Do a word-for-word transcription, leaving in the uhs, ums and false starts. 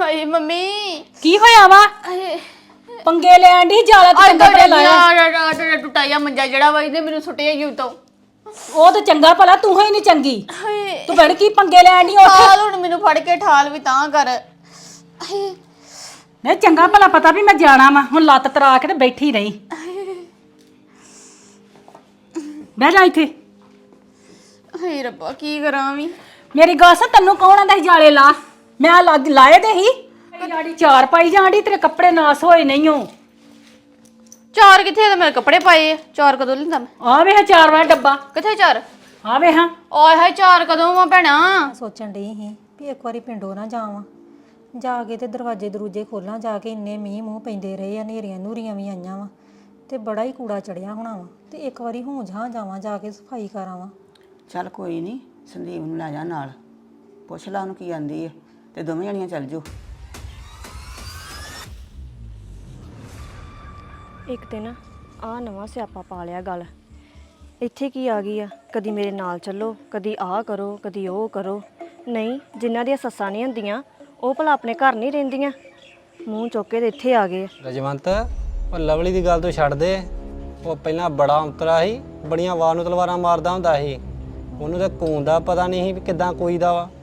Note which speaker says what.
Speaker 1: ਹਾਏ ਮੰਮੀ
Speaker 2: ਕੀ ਹੋਇਆ ਵਾ?
Speaker 1: ਹਾਏ
Speaker 2: ਪੰਗੇ ਲੈਣ ਦੀ ਜਾਲਾ ਤੇ ਚੰਗਾ ਭਲਾ ਲਾਇਆ।
Speaker 1: ਆ ਟੁੱਟਾਇਆ ਮੰਜਾ ਜਿਹੜਾ ਵਾ ਇਹਨੇ ਮੈਨੂੰ ਸੁੱਟਿਆ ਹੀ ਉਤੋਂ।
Speaker 2: ਉਹ ਤਾਂ ਚੰਗਾ ਭਲਾ, ਤੂੰ ਹੀ ਨਹੀਂ ਚੰਗੀ।
Speaker 1: ਹਾਏ
Speaker 2: ਤੂੰ ਬੜ ਕੀ ਪੰਗੇ ਲੈਣ ਦੀ ਉੱਥੇ?
Speaker 1: ਠਾਲ ਹੁਣ ਮੈਨੂੰ ਫੜ ਕੇ ਠਾਲ ਵੀ ਤਾਂ ਕਰ। ਹਾਏ
Speaker 2: ਨਹੀਂ ਚੰਗਾ ਭਲਾ ਪਤਾ ਵੀ ਮੈਂ ਜਾਣਾ ਵਾ, ਹੁਣ ਲੱਤ ਤਰਾ ਕੇ ਤੇ ਬੈਠੀ ਰਹੀ। ਬਹਿ ਜਾ ਇੱਥੇ।
Speaker 1: ਹਾਏ ਰੱਬਾ ਕੀ ਕਰਾਂ ਵੀ।
Speaker 2: ਮੇਰੀ ਗੱਲ ਸੁਣ, ਤੈਨੂੰ ਕੌਣ ਆਂਦਾ ਸੀ ਜਾਲੇ ਲਾ? ਮੈਂ ਲੱਗ ਲਾਏ ਦੇ ਹੀ। ਜਾੜੀ ਚਾਰ ਪਾਈ ਜਾਂਦੀ, ਤੇਰੇ ਕੱਪੜੇ ਨਾਸ ਹੋਏ ਨਹੀਂ ਹੋ।
Speaker 1: ਚਾਰ ਕਿੱਥੇ ਤੇ ਮੇਰੇ ਕੱਪੜੇ ਪਾਏ ਆ? ਚਾਰ ਕਦੋਂ ਲਿੰਦਾ ਮੈਂ?
Speaker 2: ਆ ਵੇ ਚਾਰ ਵਾਲਾ ਡੱਬਾ।
Speaker 1: ਕਿੱਥੇ ਚਾਰ?
Speaker 2: ਆ ਵੇ ਹਾਂ।
Speaker 1: ਓਏ ਹਾਏ ਚਾਰ ਕਦੋਂ ਆ ਭੈਣਾ?
Speaker 3: ਸੋਚਣ ਡਈ ਸੀ ਵੀ ਇੱਕ ਵਾਰੀ ਪਿੰਡੋਂ ਨਾ ਜਾਵਾਂ, ਜਾ ਕੇ ਤੇ ਦਰਵਾਜ਼ੇ ਦਰੂਜੇ ਖੋਲਾਂ ਜਾ ਕੇ। ਇੰਨੇ ਮੀਂਹ ਮੂੰਹ ਪੈਂਦੇ ਰਹੇ ਆ, ਹਨੇਰੀਆਂ ਨੂਰੀਆਂ ਵੀ ਆਈਆਂ ਵਾ ਤੇ ਬੜਾ ਹੀ ਕੂੜਾ ਚੜਿਆ ਹੋਣਾ ਵਾ, ਤੇ ਇੱਕ ਵਾਰੀ ਹੋਂ ਜਾਂ ਜਾਵਾਂ, ਜਾ ਕੇ ਸਫਾਈ ਕਰਾਵਾਂ।
Speaker 4: ਚੱਲ ਕੋਈ ਨਹੀਂ, ਸੰਦੀਪ ਨੂੰ ਲੈ ਜਾ ਨਾਲ, ਪੁੱਛ ਲਾ ਉਹਨੂੰ ਕੀ ਆਂਦੀ ਹੈ ਤੇ ਦੋਵੇਂ ਜਣੀਆਂ ਚੱਲ ਜਾਓ।
Speaker 5: ਇੱਕ ਦਿਨ ਆ ਨਵਾਂ ਸਿਆਪਾ ਪਾ ਲਿਆ ਗੱਲ। ਇੱਥੇ ਕੀ ਆ ਗਈ ਆ, ਕਦੀ ਮੇਰੇ ਨਾਲ ਚੱਲੋ, ਕਦੀ ਆਹ ਕਰੋ, ਕਦੀ ਉਹ ਕਰੋ। ਨਹੀਂ, ਜਿਨ੍ਹਾਂ ਦੀਆਂ ਸੱਸਾਂ ਨਹੀਂ ਹੁੰਦੀਆਂ ਉਹ ਭਲਾ ਆਪਣੇ ਘਰ ਨਹੀਂ ਰਹਿੰਦੀਆਂ, ਮੂੰਹ ਚੁੱਕ ਕੇ ਤੇ ਇੱਥੇ ਆ ਗਏ।
Speaker 6: ਰਜਵੰਤ, ਉਹ ਲਵਲੀ ਦੀ ਗੱਲ ਤੋਂ ਛੱਡ ਦੇ। ਉਹ ਪਹਿਲਾਂ ਬੜਾ ਅੰਤਰਾ ਸੀ, ਬੜੀਆਂ ਵਾਰ ਨੂੰ ਤਲਵਾਰਾਂ ਮਾਰਦਾ ਹੁੰਦਾ ਸੀ। ਉਹਨੂੰ ਤਾਂ ਕੂਨ ਦਾ ਪਤਾ ਨਹੀਂ ਸੀ ਵੀ ਕਿੱਦਾਂ ਕੋਈ ਦਾ ਵਾ।